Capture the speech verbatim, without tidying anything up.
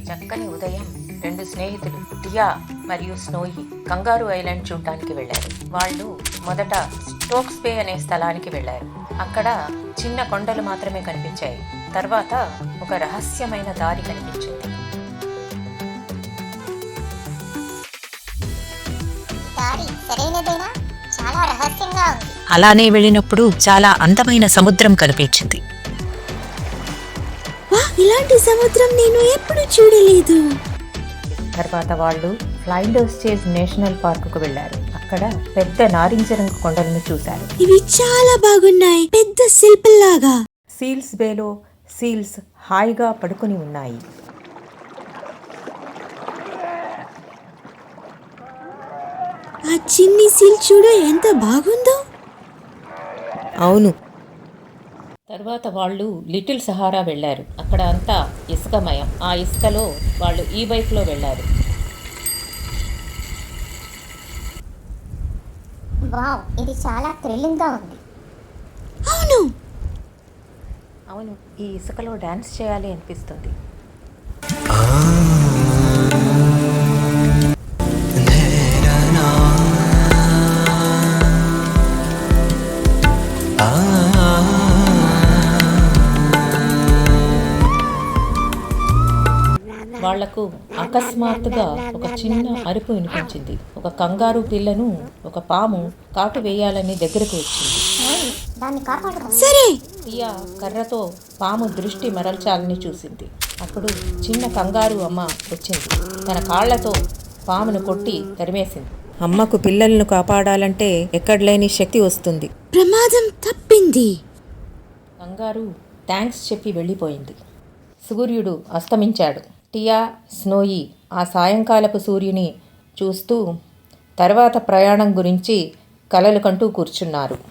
చక్కని ఉదయం రెండు స్నేహితులు టియా మరియు స్నోయి కంగారు ఐలాండ్ చూడటానికి వెళ్లారు. వాళ్ళు మొదట స్టోక్స్ బే అనే స్థలానికి వెళ్లారు. అక్కడ చిన్న కొండలు మాత్రమే కనిపించాయి. తర్వాత ఒక రహస్యమైన దారి కనిపించింది. దారి సరైనదేనా? చాలా రహస్యంగా ఉంది. అలానే వెళ్ళినప్పుడు చాలా అందమైన సముద్రం కనిపించింది. వా, ఇలాంటి సముద్రం నేను ఎప్పుడు చూడలేదు. తర్వాత వాళ్ళు ఫ్లైండర్స్ చేజ్ నేషనల్ పార్కుకు వెళ్లారు. అక్కడ పెద్ద నారింజ రంగు కొండలను చూశారు. ఇవి చాలా బాగున్నాయి, పెద్ద శిల్పంలాగా. సీల్స్ బేలో సీల్స్ హాయిగా పడుకుని ఉన్నాయి. ఆ చిన్ని సీల్ చూడు ఎంత బాగుందో. అవును. తర్వాత వాళ్ళు లిటిల్ సహారా వెళ్లారు. అక్కడ అంతా ఇసుకమయం. ఆ ఇసుకలో వాళ్ళు ఈ బైక్లో వెళ్లారు. వావ్, ఇది చాలా థ్రిల్లింగ్గా ఉంది. అవును, అవును, ఈ ఇసుకలో డాన్స్ చేయాలి అనిపిస్తుంది. వాళ్లకు అకస్మాత్తుగా ఒక చిన్న అరుపు వినిపించింది. ఒక కంగారు పిల్లను ఒక పాము కాటు వేయాలని దగ్గరకు వచ్చింది. దాన్ని కాపాడు. సరే. టియా కర్రతో పాము దృష్టి మరల్చాలని చూసింది. అప్పుడు చిన్న కంగారు అమ్మ వచ్చింది. తన కాళ్లతో పామును కొట్టి తరిమేసింది. అమ్మకు పిల్లలను కాపాడాలంటే ఎక్కడలేని శక్తి వస్తుంది. ప్రమాదం తప్పింది. కంగారు థ్యాంక్స్ చెప్పి వెళ్ళిపోయింది. సూర్యుడు అస్తమించాడు. టియా, స్నోయి ఆ సాయంకాలపు సూర్యుని చూస్తూ తర్వాత ప్రయాణం గురించి కలలు కంటూ కూర్చున్నారు.